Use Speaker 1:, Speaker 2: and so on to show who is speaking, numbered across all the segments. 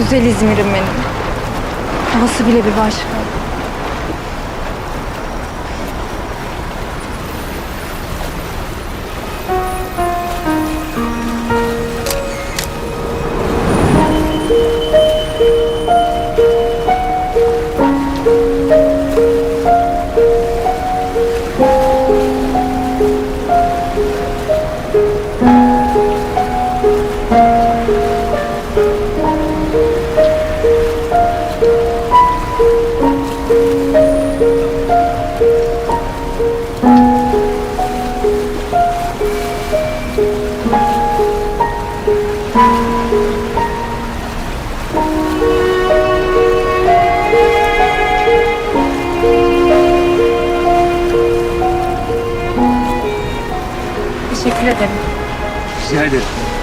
Speaker 1: Güzel İzmir'im benim. Havası bile bir başka. Teşekkür ederim.
Speaker 2: Rica ederim.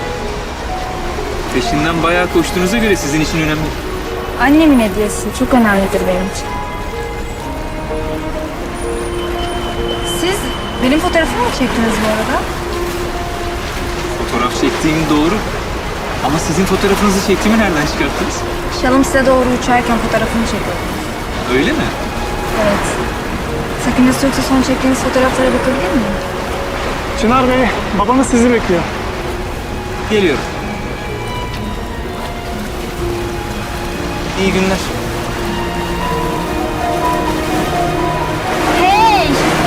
Speaker 2: Peşinden bayağı koştuğunuza göre sizin için önemli.
Speaker 1: Annemin hediyesi çok önemlidir benim için. Siz benim fotoğrafımı mı çektiniz bu arada?
Speaker 2: Fotoğraf çektiğim doğru. Ama sizin fotoğrafınızı çektiğimi nereden çıkarttınız?
Speaker 1: Şalım size doğru uçarken fotoğrafımı çekiyordum.
Speaker 2: Öyle mi?
Speaker 1: Evet. Sakıncası yoksa son çektiğiniz fotoğraflara bakabilir miyim?
Speaker 3: Çınar Bey, babanız sizi bekliyor.
Speaker 2: Geliyorum. İyi günler.
Speaker 1: Hey!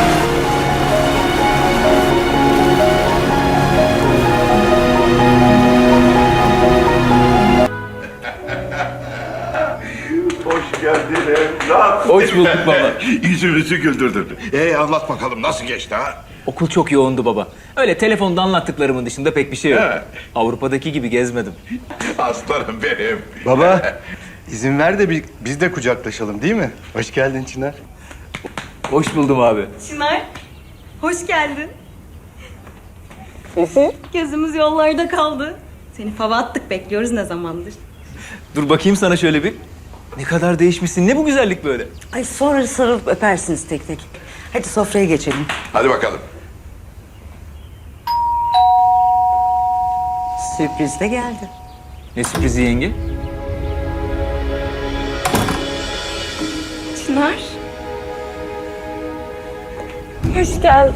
Speaker 4: Hoş geldin evlat.
Speaker 2: Hoş bulduk baba.
Speaker 4: Yüzümüzü güldürdün. Anlat bakalım nasıl geçti ha?
Speaker 2: Okul çok yoğundu baba. Öyle telefonda anlattıklarımın dışında pek bir şey yok.
Speaker 4: He.
Speaker 2: Avrupa'daki gibi gezmedim.
Speaker 4: Aslanım benim.
Speaker 5: Baba, izin ver de biz de kucaklaşalım değil mi? Hoş geldin Çınar.
Speaker 2: Hoş buldum abi.
Speaker 6: Çınar, hoş geldin. Gözümüz yollarda kaldı. Seni fava attık, bekliyoruz ne zamandır.
Speaker 2: Dur bakayım sana şöyle bir. Ne kadar değişmişsin. Ne bu güzellik böyle?
Speaker 7: Ay sonra sarılıp öpersiniz tek tek. Hadi sofraya geçelim.
Speaker 4: Hadi bakalım.
Speaker 7: Sürpriz de geldi.
Speaker 2: Ne sürprizi yenge?
Speaker 6: Çınar. Hoş geldin.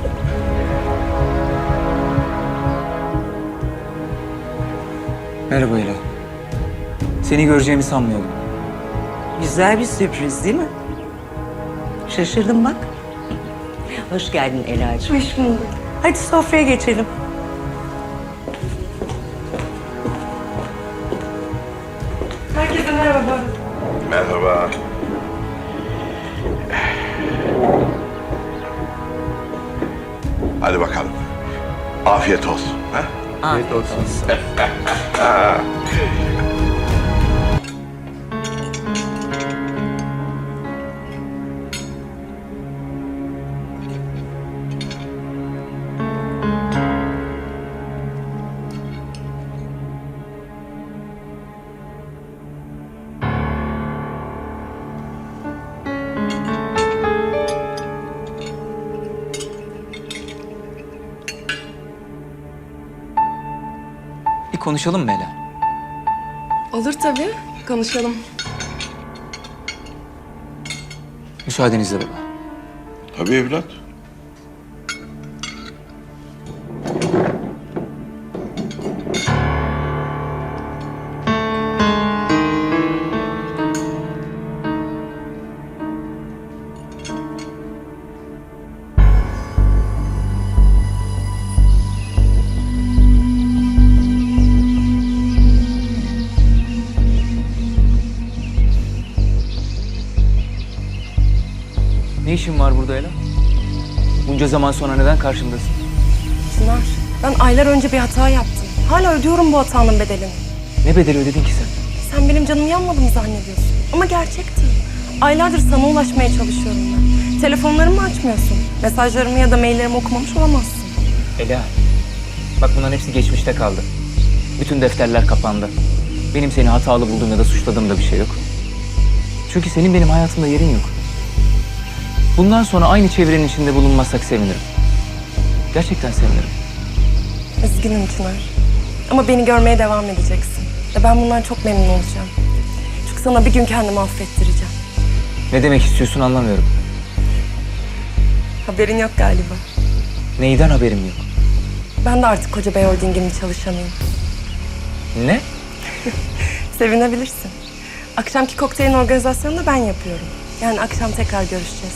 Speaker 2: Merhaba Ela. Seni göreceğimi sanmıyordum.
Speaker 7: Güzel bir sürpriz değil mi? Şaşırdım bak. Hoş geldin Ela'cığım.
Speaker 6: Hoş bulduk.
Speaker 7: Hadi sofraya geçelim.
Speaker 6: Herkese merhaba.
Speaker 4: Merhaba. Hadi bakalım. Afiyet olsun. Ha?
Speaker 7: Afiyet olsun.
Speaker 2: Bir konuşalım mı Ela?
Speaker 8: Olur tabii. Konuşalım.
Speaker 2: Müsaadenizle baba.
Speaker 4: Tabii evlat.
Speaker 2: Ne işin var burada Ela? Bunca zaman sonra neden karşımdasın?
Speaker 8: Çınar, ben aylar önce bir hata yaptım. Hala ödüyorum bu hatanın bedelini.
Speaker 2: Ne bedeli ödedin ki sen?
Speaker 8: Sen benim canımı yanmadı mı zannediyorsun? Ama gerçekti. Aylardır sana ulaşmaya çalışıyorum ben. Telefonlarımı açmıyorsun. Mesajlarımı ya da maillerimi okumamış olamazsın.
Speaker 2: Ela, bak bunların hepsi geçmişte kaldı. Bütün defterler kapandı. Benim seni hatalı bulduğum ya da suçladığım da bir şey yok. Çünkü senin benim hayatımda yerin yok. Bundan sonra aynı çevrenin içinde bulunmazsak sevinirim. Gerçekten sevinirim.
Speaker 8: Üzgünüm Çınar. Ama beni görmeye devam edeceksin. Ve ben bundan çok memnun olacağım. Artık sana bir gün kendimi affettireceğim.
Speaker 2: Ne demek istiyorsun anlamıyorum.
Speaker 8: Haberin yok galiba.
Speaker 2: Neyden haberim yok?
Speaker 8: Ben de artık Koca Bey Holding'in çalışanıyım.
Speaker 2: Ne?
Speaker 8: Sevinebilirsin. Akşamki kokteylin organizasyonunu da ben yapıyorum. Yani akşam tekrar görüşeceğiz.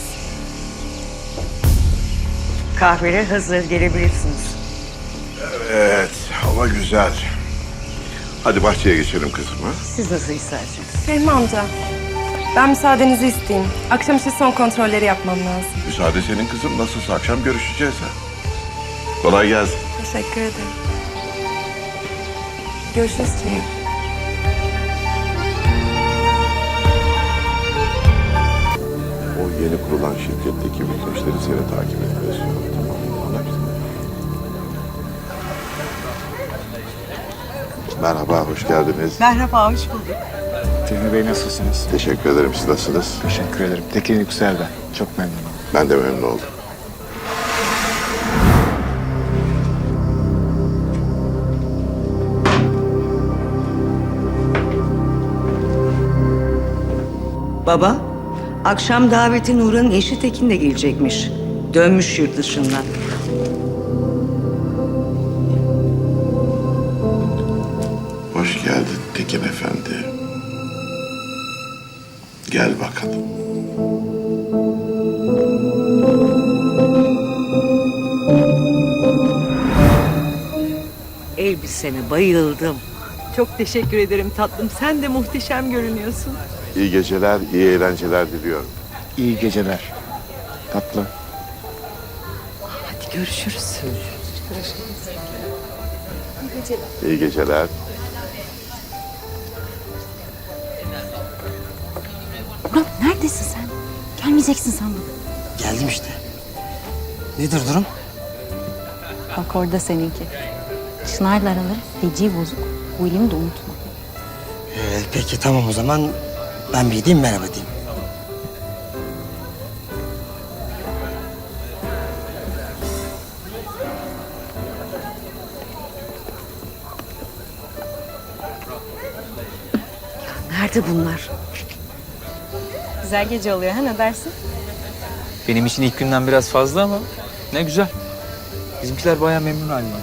Speaker 7: Kahveler hazır, gelebilirsiniz.
Speaker 4: Evet, hava güzel. Hadi bahçeye geçelim kızım ha.
Speaker 7: Siz nasıl isterseniz.
Speaker 8: Fehmi amca, ben müsaadenizi isteyeyim. Akşam için son kontrolleri yapmam lazım.
Speaker 4: Müsaade senin kızım. Nasılsa akşam görüşeceğiz ha. Kolay gelsin.
Speaker 8: Teşekkür ederim. Görüşürüz Çınar.
Speaker 4: O yeni kurulan şirketteki bütün işleri seni takip etmesi yok. Tamam mı? Anlaştık. Merhaba, hoş geldiniz.
Speaker 7: Merhaba, hoş bulduk.
Speaker 3: Fehmi Bey nasılsınız?
Speaker 4: Teşekkür ederim. Siz nasılsınız?
Speaker 3: Teşekkür ederim. Tekin Yüksel ben. Çok memnunum.
Speaker 4: Ben de memnun oldum.
Speaker 7: Baba, akşam daveti Nurhan'ın eşi Tekin de gelecekmiş. Dönmüş yurt dışından.
Speaker 4: Hoş geldin Tekin Efendi. Gel bakalım.
Speaker 7: Elbisene bayıldım. Çok teşekkür ederim tatlım. Sen de muhteşem görünüyorsun.
Speaker 4: İyi geceler, iyi eğlenceler diliyorum.
Speaker 3: İyi geceler. Tatlı.
Speaker 7: Hadi görüşürüz.
Speaker 4: İyi geceler.
Speaker 1: Murat neredesin sen? Gelmeyeceksin sandım.
Speaker 9: Geldim işte. Nedir durum?
Speaker 1: Bak orada seninki. Çınar'la araları feci bozuk. William'i de unutma.
Speaker 9: Peki tamam o zaman ben bir gideyim merhaba diyeyim.
Speaker 7: Nerede bunlar?
Speaker 6: Güzel gece oluyor ha, ne dersin?
Speaker 2: Benim için ilk günden biraz fazla ama ne güzel. Bizimkiler bayağı memnun halimden.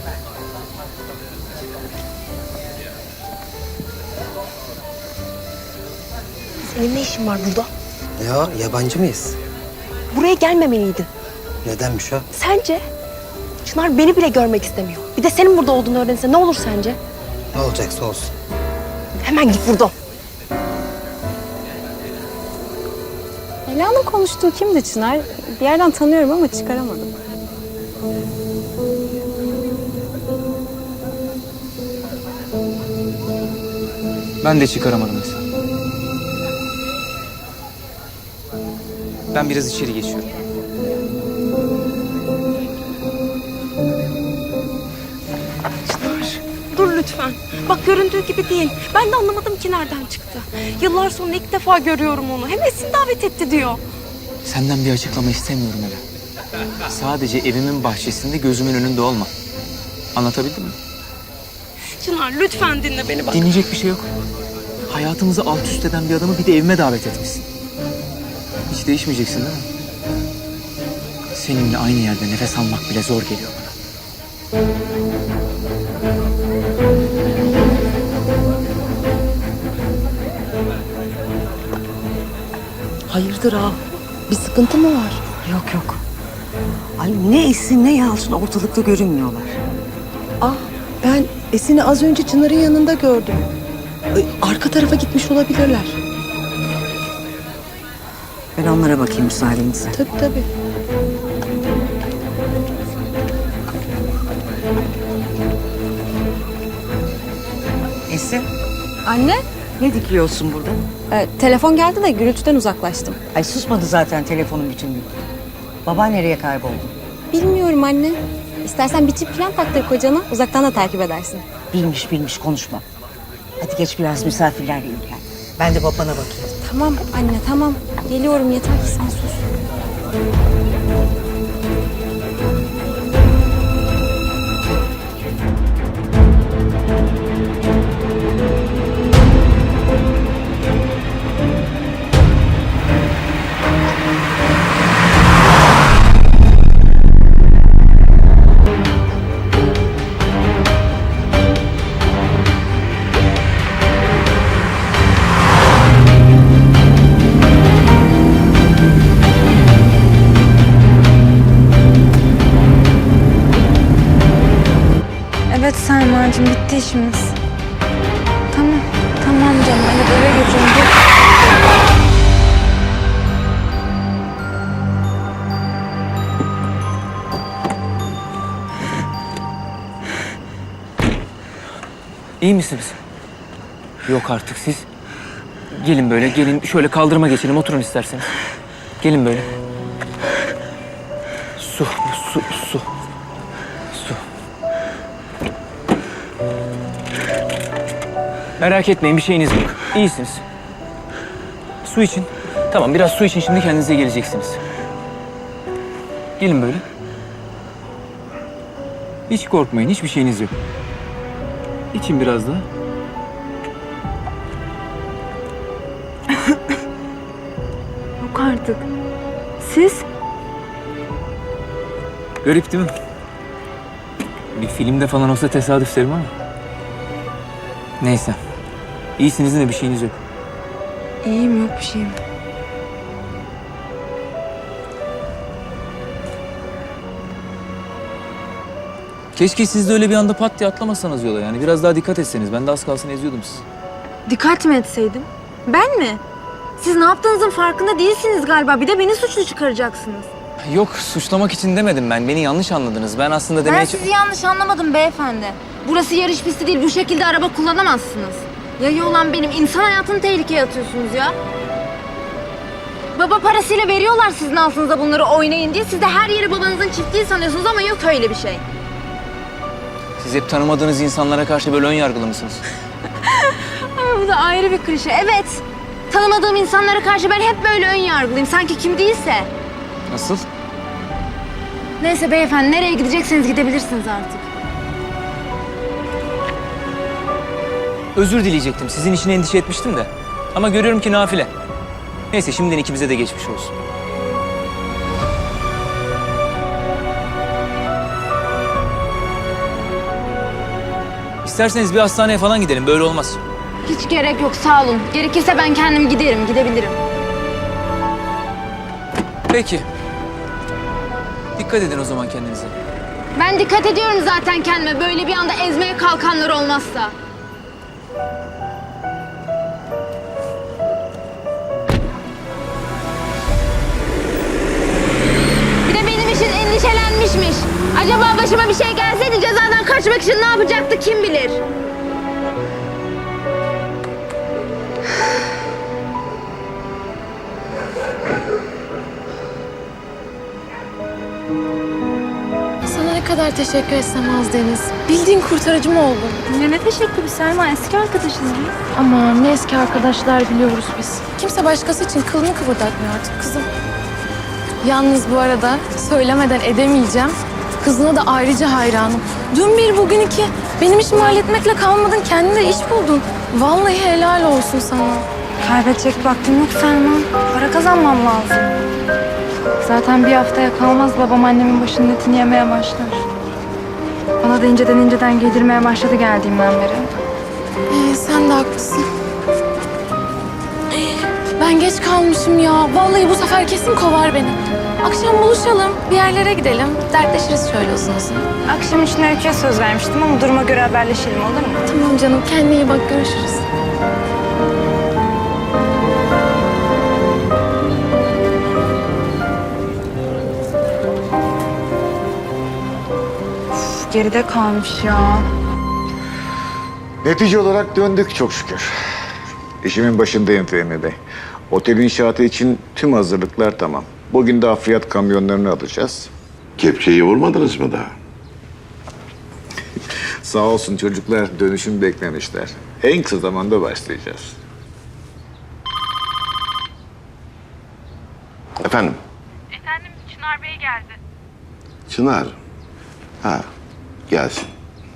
Speaker 8: Senin ne işin var burada?
Speaker 9: Ne o yabancı mıyız?
Speaker 8: Buraya gelmemeliydin.
Speaker 9: Nedenmiş o?
Speaker 8: Sence? Çınar beni bile görmek istemiyor. Bir de senin burada olduğunu öğrense ne olur sence?
Speaker 9: Ne olacaksa olsun.
Speaker 8: Hemen git buradan.
Speaker 1: Ela'nın konuştuğu kimdi Çınar? Bir yerden tanıyorum ama çıkaramadım.
Speaker 2: Ben de çıkaramadım mesela. Ben biraz içeri geçiyorum.
Speaker 8: Dur lütfen. Bak göründüğü gibi değil. Ben de anlamadım ki nereden çıktı. Yıllar sonra ilk defa görüyorum onu. Hem Esin davet etti diyor.
Speaker 2: Senden bir açıklama istemiyorum Ela. Sadece evimin bahçesinde gözümün önünde olma. Anlatabildim mi?
Speaker 8: Çınar lütfen dinle beni bak.
Speaker 2: Dinleyecek bir şey yok. Hayatımızı alt üst eden bir adamı bir de evime davet etmişsin. Hiç değişmeyeceksin değil mi? Seninle aynı yerde nefes almak bile zor geliyor bana.
Speaker 8: Hayırdır ha? Bir sıkıntı mı var?
Speaker 7: Yok yok. Ay ne Esin ne Yalçın ortalıkta görünmüyorlar.
Speaker 8: Ah ben Esin'i az önce Çınar'ın yanında gördüm. Arka tarafa gitmiş olabilirler.
Speaker 7: Ben onlara bakayım müsaadenizle.
Speaker 8: Tabii tabii.
Speaker 7: Esin
Speaker 1: Anne,
Speaker 7: ne dikiliyorsun burada?
Speaker 1: telefon geldi de gürültüden uzaklaştım.
Speaker 7: Ay susmadı zaten telefonun bütün gün. Baba nereye kayboldu?
Speaker 1: Bilmiyorum anne. İstersen bir çift falan taktır kocana, uzaktan da takip edersin.
Speaker 7: Bilmiş konuşma. Hadi geç biraz misafirlerle ilgilen. Ben de babana bakayım.
Speaker 1: Tamam anne, tamam. Geliyorum, yeter ki sen sus.
Speaker 10: Evet Selma'cığım, bitti işimiz. Tamam, tamam canım. Hadi eve götürün.
Speaker 2: İyi misiniz? Yok artık siz. Gelin böyle, gelin şöyle kaldırıma geçelim, oturun isterseniz. Gelin böyle. Su. Su. Merak etmeyin, bir şeyiniz yok. İyisiniz. Su için. Tamam, biraz su için şimdi kendinize geleceksiniz. Gelin böyle. Hiç korkmayın, hiçbir şeyiniz yok. İçin biraz daha.
Speaker 10: Yok artık. Siz?
Speaker 2: Garip değil mi? Bir filmde falan olsa tesadüf derim ama. Neyse. İyisiniz de bir şeyiniz yok.
Speaker 10: İyiyim, yok bir şeyim.
Speaker 2: Keşke siz de öyle bir anda pat diye atlamasanız yola yani. Biraz daha dikkat etseniz. Ben de az kalsın eziyordum sizi.
Speaker 10: Dikkat mi etseydim? Ben mi? Siz ne yaptığınızın farkında değilsiniz galiba. Bir de beni suçlu çıkaracaksınız.
Speaker 2: Yok, suçlamak için demedim ben. Beni yanlış anladınız. Ben aslında demeye...
Speaker 10: Ben sizi yanlış anlamadım beyefendi. Burası yarış pisti değil. Bu şekilde araba kullanamazsınız. Yayı olan benim. İnsan hayatını tehlikeye atıyorsunuz ya. Baba parasıyla veriyorlar sizin altınıza bunları oynayın diye. Siz de her yeri babanızın çiftliği sanıyorsunuz ama yok öyle bir şey.
Speaker 2: Siz hep tanımadığınız insanlara karşı böyle ön yargılı mısınız?
Speaker 10: Ama bu da ayrı bir klişe. Evet. Tanımadığım insanlara karşı ben hep böyle ön yargılıyım. Sanki kim değilse.
Speaker 2: Nasıl?
Speaker 10: Neyse beyefendi, nereye gidecekseniz gidebilirsiniz artık.
Speaker 2: Özür dileyecektim. Sizin için endişe etmiştim de. Ama görüyorum ki nafile. Neyse, şimdiden ikimize de geçmiş olsun. İsterseniz bir hastaneye falan gidelim. Böyle olmaz.
Speaker 10: Hiç gerek yok, sağ olun. Gerekirse ben kendim gidebilirim.
Speaker 2: Peki. Dikkat edin o zaman kendinize.
Speaker 10: Ben dikkat ediyorum zaten kendime. Böyle bir anda ezmeye kalkanlar olmazsa. Bir de benim için endişelenmişmiş. Acaba başıma bir şey gelseydi cezadan kaçmak için ne yapacaktı kim bilir?
Speaker 8: Sana ne kadar teşekkür etsem az Deniz. Bildiğin kurtarıcım oldun.
Speaker 10: Ne teşekkürü Selma, eski arkadaşız biz.
Speaker 8: Ama ne eski arkadaşlar biliyoruz biz. Kimse başkası için kılını kıvırdatmıyor artık kızım. Yalnız bu arada söylemeden edemeyeceğim. Kızına da ayrıca hayranım. Dün bir bugün iki. Benim işimi halletmekle kalmadın, kendine iş buldun. Vallahi helal olsun sana.
Speaker 10: Kaybedecek vaktim yok Selma. Para kazanmam lazım. Zaten bir haftaya kalmaz babam annemin başının etini yemeye başlar. Bana da inceden giydirmeye başladı geldiğimden beri.
Speaker 8: Sen de haklısın. Ben geç kalmışım ya. Vallahi bu sefer kesin kovar beni. Akşam buluşalım, bir yerlere gidelim. Dertleşiriz şöyle uzun uzun.
Speaker 10: Akşam için Öykü'ye söz vermiştim ama duruma göre haberleşelim, olur mu?
Speaker 8: Tamam canım, kendine iyi bak, görüşürüz.
Speaker 10: Geride kalmış ya.
Speaker 3: Netice olarak döndük çok şükür. İşimin başındayım Fehmi Bey. Otel inşaatı için tüm hazırlıklar tamam. Bugün de hafriyat kamyonlarını alacağız.
Speaker 4: Kepçeyi vurmadınız mı daha?
Speaker 3: Sağ olsun çocuklar dönüşüm beklemişler. En kısa zamanda başlayacağız.
Speaker 4: Efendim?
Speaker 11: Efendim, Çınar Bey geldi.
Speaker 4: Çınar. Ha, gelsin.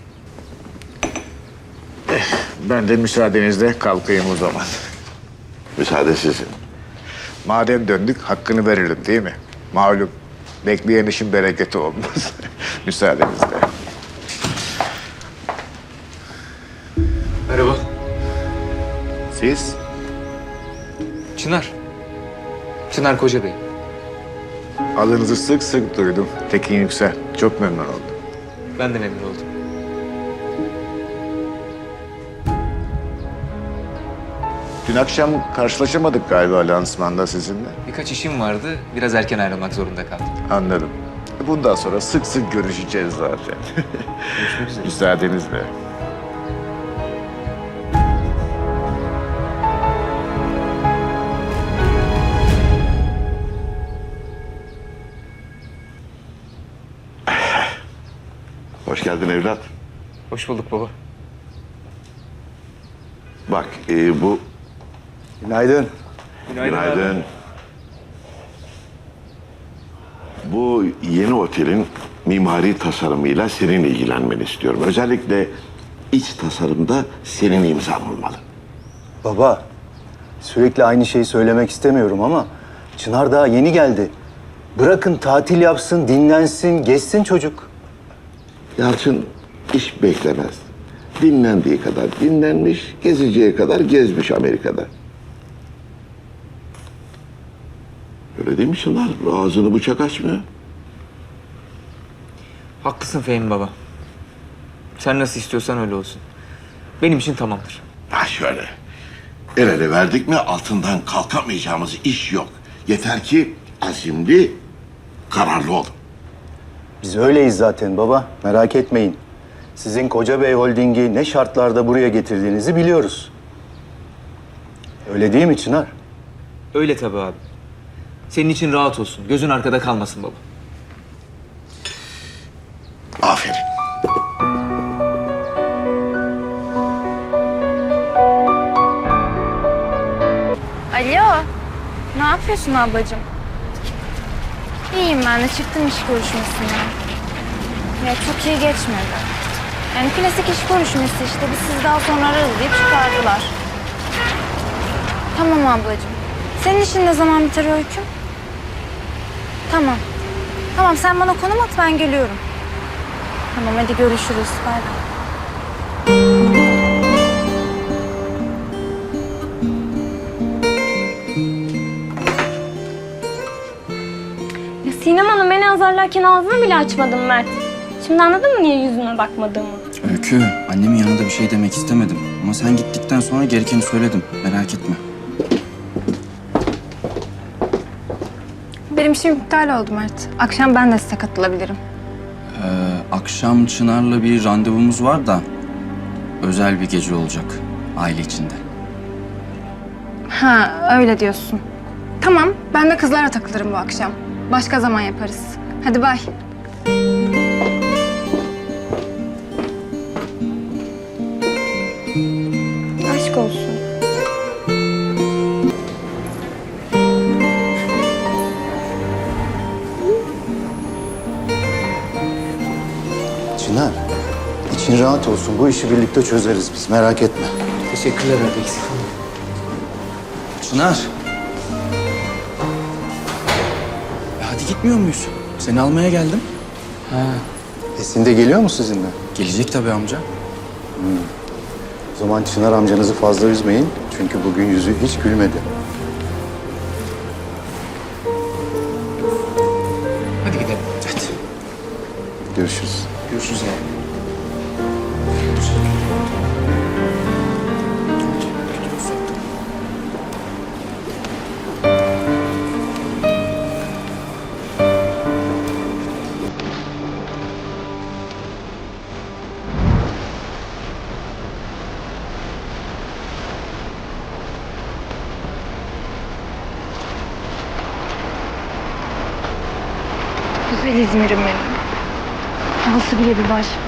Speaker 3: Ben de müsaadenizle kalkayım o zaman.
Speaker 4: Müsaade sizin.
Speaker 3: Madem döndük hakkını verelim değil mi? Malum bekleyen işin bereketi olmaz. Müsaadenizle.
Speaker 2: Merhaba.
Speaker 3: Siz?
Speaker 2: Çınar. Çınar Koca Bey.
Speaker 3: Adınızı sık sık duydum. Tekin Yüksel. Çok memnun oldum.
Speaker 2: Ben de memnun oldum.
Speaker 3: Dün akşam karşılaşamadık galiba lansmanda sizinle.
Speaker 2: Birkaç işim vardı. Biraz erken ayrılmak zorunda kaldım.
Speaker 3: Anladım. Bundan sonra sık sık görüşeceğiz zaten.
Speaker 2: Görüşmek üzere.
Speaker 3: Müsaadenizle.
Speaker 4: Hoş geldin evlat.
Speaker 2: Hoş bulduk baba.
Speaker 4: Bak bu...
Speaker 5: Günaydın.
Speaker 4: Günaydın. Bu yeni otelin mimari tasarımıyla senin ilgilenmeni istiyorum. Özellikle iç tasarımda senin imzan olmalı.
Speaker 5: Baba, sürekli aynı şeyi söylemek istemiyorum ama Çınar daha yeni geldi. Bırakın tatil yapsın, dinlensin, gezsin çocuk.
Speaker 4: Yalçın iş beklemez. Dinlendiği kadar dinlenmiş, gezeceği kadar gezmiş Amerika'da. Öyle değil mi Çınar? Ağzını bıçak açmıyor.
Speaker 2: Haklısın Fehmi baba. Sen nasıl istiyorsan öyle olsun. Benim için tamamdır.
Speaker 4: Ha şöyle. El ele verdik mi altından kalkamayacağımız iş yok. Yeter ki azimli, kararlı olun.
Speaker 5: Biz öyleyiz zaten baba, merak etmeyin. Sizin Koca Bey Holding'i ne şartlarda buraya getirdiğinizi biliyoruz. Öyle değil mi Çınar?
Speaker 2: Öyle tabii abi. Senin için rahat olsun. Gözün arkada kalmasın baba.
Speaker 4: Aferin.
Speaker 8: Alo. Ne yapıyorsun ablacığım? İyiyim ben de. Çıktım iş görüşmesinden. Ya çok iyi geçmedi. Yani klasik iş görüşmesi işte. Biz sizi daha sonra ararız deyip çıkardılar. Tamam ablacığım. Senin işin ne zaman biter Öyküm? Tamam. Tamam sen bana konum at ben geliyorum. Tamam hadi görüşürüz. Bay bay.
Speaker 10: Ya Sinem Hanım beni azarlarken ağzımı bile açmadım Mert. Şimdi anladın mı niye yüzüme bakmadığımı?
Speaker 12: Öykü, annemin yanında bir şey demek istemedim. Ama sen gittikten sonra gerekeni söyledim. Merak etme.
Speaker 8: Benim işim iptal oldu Mert. Akşam ben de size katılabilirim.
Speaker 12: Akşam Çınar'la bir randevumuz var da... özel bir gece olacak aile içinde.
Speaker 8: Ha öyle diyorsun. Tamam ben de kızlarla takılırım bu akşam. Başka zaman yaparız. Hadi bay. Aşk olsun.
Speaker 5: Çınar, için rahat olsun. Bu işi birlikte çözeriz biz, merak etme.
Speaker 2: Teşekkürler abi. Eksik olma.
Speaker 12: Çınar. Hadi gitmiyor muyuz? Seni almaya geldim.
Speaker 5: Esin de geliyor mu sizinle?
Speaker 12: Gelecek tabii amca.
Speaker 5: O zaman Çınar amcanızı fazla üzmeyin. Çünkü bugün yüzü hiç gülmedi.
Speaker 2: Hadi gidelim.
Speaker 12: Hadi.
Speaker 5: Görüşürüz.
Speaker 12: Görüşürüz abi.
Speaker 8: Güzel İzmir'im benim. Havası bile bir başka.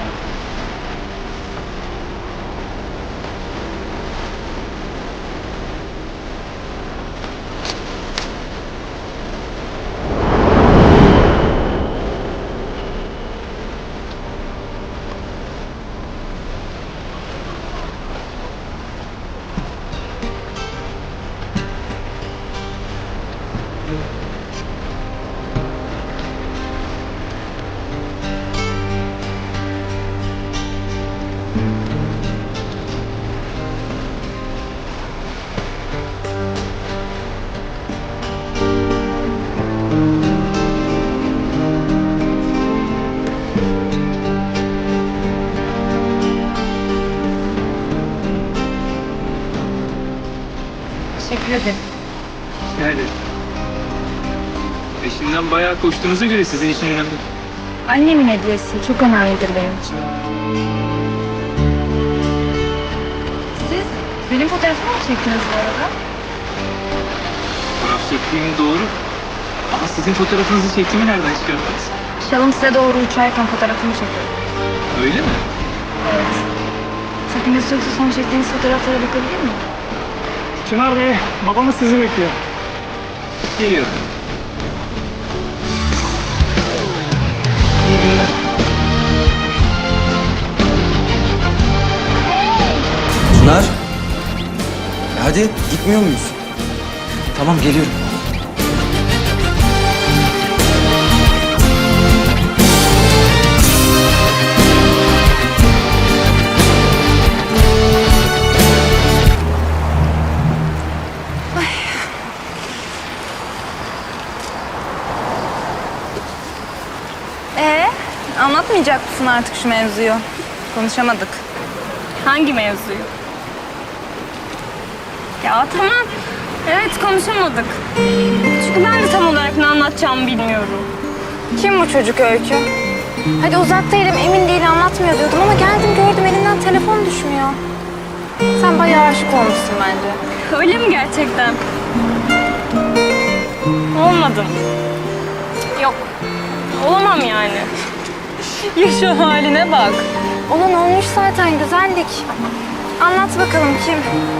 Speaker 8: geldin.
Speaker 2: Yani. Peşinden bayağı koştuğunuza göre sizin için önemli.
Speaker 8: Annemin hediyesi çok önemlidir benim için. Siz benim fotoğrafımı mı çektiniz bu arada?
Speaker 2: Fotoğraf çektiğim doğru. Ama sizin fotoğrafınızı çektiğimi nereden çıkardınız?
Speaker 8: Şalım size doğru uçarken fotoğrafımı çekiyorum.
Speaker 2: Öyle mi?
Speaker 8: Evet. Sakıncası yoksa son çektiğiniz fotoğraflara bakabilir miyim?
Speaker 2: Çınar Bey, babamız sizi bekliyor. Geliyorum.
Speaker 12: Çınar. Hadi gitmiyor muyuz?
Speaker 2: Tamam, geliyorum.
Speaker 10: Anlatmayacak mısın artık şu mevzuyu? Konuşamadık.
Speaker 6: Hangi mevzuyu? Ya tamam. Evet, konuşamadık. Çünkü ben de tam olarak ne anlatacağımı bilmiyorum.
Speaker 10: Kim bu çocuk Öykü? Hadi uzak değilim, emin değil, anlatmıyor diyordum ama geldim gördüm elinden telefon düşmüyor. Sen bayağı aşık olmuşsun bence.
Speaker 6: Öyle mi gerçekten? Olmadım. Yok. Olamam yani. Ya şu haline bak.
Speaker 10: Olan olmuş zaten, güzellik. Anlat bakalım kim?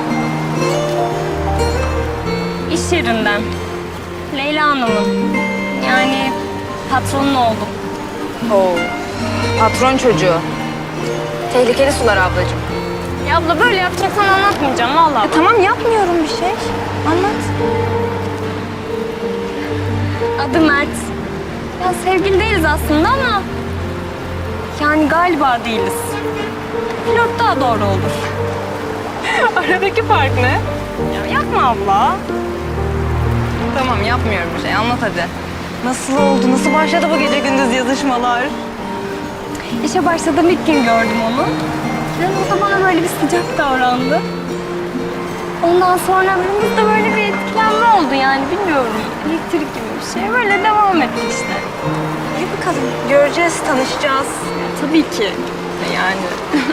Speaker 6: İş yerinden. Leyla Hanım'ın. Yani patronun oğlu.
Speaker 10: Oo, patron çocuğu. Tehlikeli sular ablacığım.
Speaker 6: Ya abla böyle yapacaksan anlatmayacağım vallahi.
Speaker 10: Tamam yapmıyorum bir şey. Anlat.
Speaker 6: Adı Mert. Ya sevgili değiliz aslında ama... Yani galiba değiliz. Flört daha doğru olur. Aradaki fark ne? Ya yapma abla.
Speaker 10: Tamam yapmıyorum bir şey. Anlat hadi. Nasıl oldu? Nasıl başladı bu gece gündüz yazışmalar?
Speaker 6: İşe başladığım ilk gün gördüm onu. Yani o da bana böyle bir sıcak davrandı. Ondan sonra aramızda böyle bir etkilenme oldu yani bilmiyorum. Elektrik gibi bir şey. Böyle devam etti işte.
Speaker 10: İyi bakalım. Göreceğiz, tanışacağız.
Speaker 6: Tabii ki. Yani.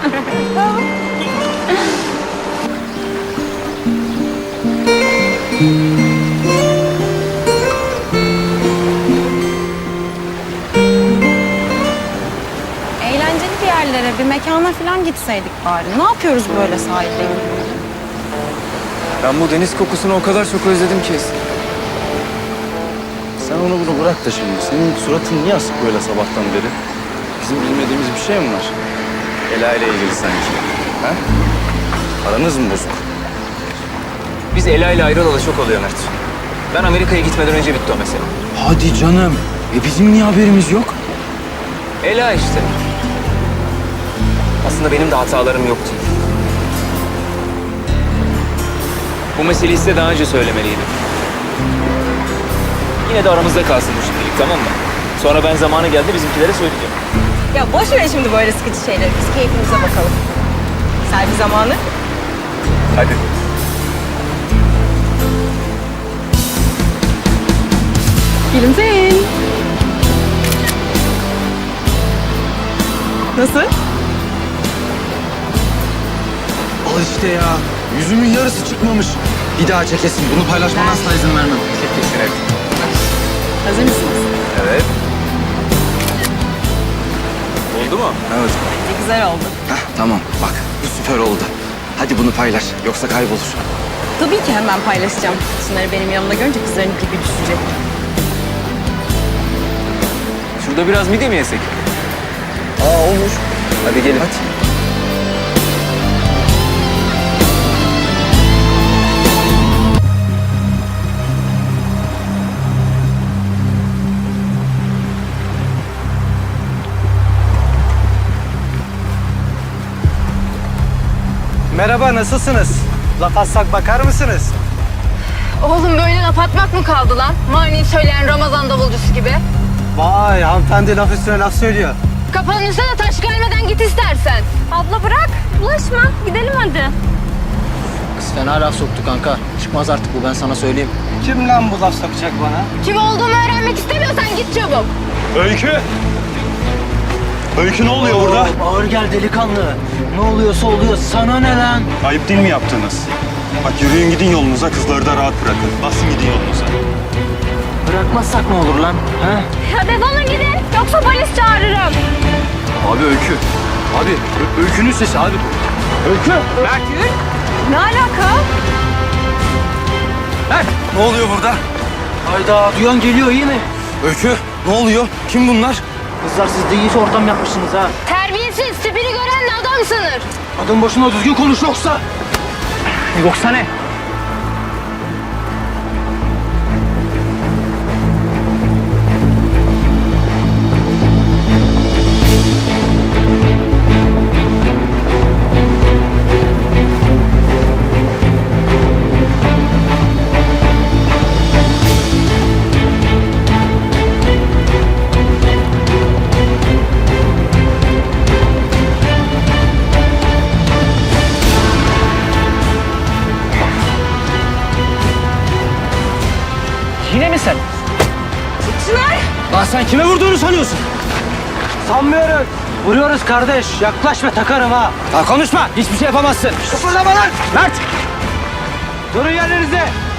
Speaker 1: Eğlenceli bir yerlere, bir mekana falan gitseydik bari. Ne yapıyoruz böyle sahilde?
Speaker 12: Ben bu deniz kokusunu o kadar çok özledim ki. Sen onu bunu bırak da şimdi. Senin suratın niye asık böyle sabahtan beri? Bizim bilmediğimiz bir şey mi var? Ela ile ilgili sanki. Ha? Aranız mı bozuk?
Speaker 2: Biz Ela ile ayrılalı çok oluyor Mert. Ben Amerika'ya gitmeden önce bitti o mesele.
Speaker 12: Hadi canım. Bizim niye haberimiz yok?
Speaker 2: Ela işte. Aslında benim de hatalarım yoktu. Bu meseleyi size daha önce söylemeliydim. Yine de aramızda kalsın bu şimdilik, tamam mı? Sonra ben zamanı geldi bizimkilere söyleyeceğim.
Speaker 6: Ya boş ver şimdi böyle sıkıcı şeyleri. Biz keyfimize bakalım. Selvi zamanı.
Speaker 2: Hadi.
Speaker 6: Gülümseyin. Nasıl?
Speaker 12: Al işte ya. Yüzümün yarısı çıkmamış. Bir daha çekesin. Bunu paylaşmana asla izin vermem.
Speaker 2: Kesin evet.
Speaker 6: Hazır mısınız?
Speaker 2: Evet. Oldu mu?
Speaker 12: Evet.
Speaker 6: Bence güzel oldu.
Speaker 12: Heh, tamam. Bak bu süper oldu. Hadi bunu paylaş. Yoksa kaybolur.
Speaker 6: Tabii ki hemen paylaşacağım. Şunları benim yanımda görünce kızların gibi düşecek.
Speaker 2: Şurada biraz midye mi yesek?
Speaker 12: Olur.
Speaker 2: Hadi gelin.
Speaker 12: Hadi.
Speaker 5: Merhaba, nasılsınız? Laf atsak bakar mısınız?
Speaker 10: Oğlum böyle laf atmak mı kaldı lan? Mani söyleyen Ramazan davulcusu gibi.
Speaker 5: Vay, hanımefendi laf üstüne laf söylüyor.
Speaker 10: Kafanın üstüne de taş gelmeden git istersen.
Speaker 6: Abla bırak. Bulaşma. Gidelim hadi.
Speaker 9: Kız fena laf soktu kanka. Çıkmaz artık bu, ben sana söyleyeyim.
Speaker 5: Kim lan bu laf sokacak bana?
Speaker 10: Kim olduğumu öğrenmek istemiyorsan git çabuk.
Speaker 12: Öykü! Öykü ne oluyor burada?
Speaker 9: Ağır gel delikanlı. Ne oluyorsa oluyor. Sana ne lan?
Speaker 12: Ayıp değil mi yaptığınız? Bak yürüyün gidin yolunuza, kızları da rahat bırakın. Basın gidin yolunuza.
Speaker 9: Bırakmazsak ne olur lan? Ha?
Speaker 10: Ya defolun gidin yoksa polis çağırırım.
Speaker 12: Abi Öykü. Abi Öykü'nün sesi abi. Öykü!
Speaker 6: Ne alaka?
Speaker 12: Ne oluyor burada?
Speaker 9: Hayda, duyan geliyor, iyi mi?
Speaker 12: Öykü ne oluyor? Kim bunlar?
Speaker 9: Kızlar siz de iyice ortam yapmışsınız ha.
Speaker 10: Terbiyesiz tipini gören de adam sanır.
Speaker 9: Adam başına düzgün konuş yoksa.
Speaker 2: Yoksa ne? Yine mi sen?
Speaker 9: Lan sen kime vurduğunu sanıyorsun? Sanmıyoruz. Vuruyoruz kardeş. Yaklaşma, takarım ha. Ha konuşma. Hiçbir şey yapamazsın. Kıpırdama lan. Mert. Durun yerlerinizde.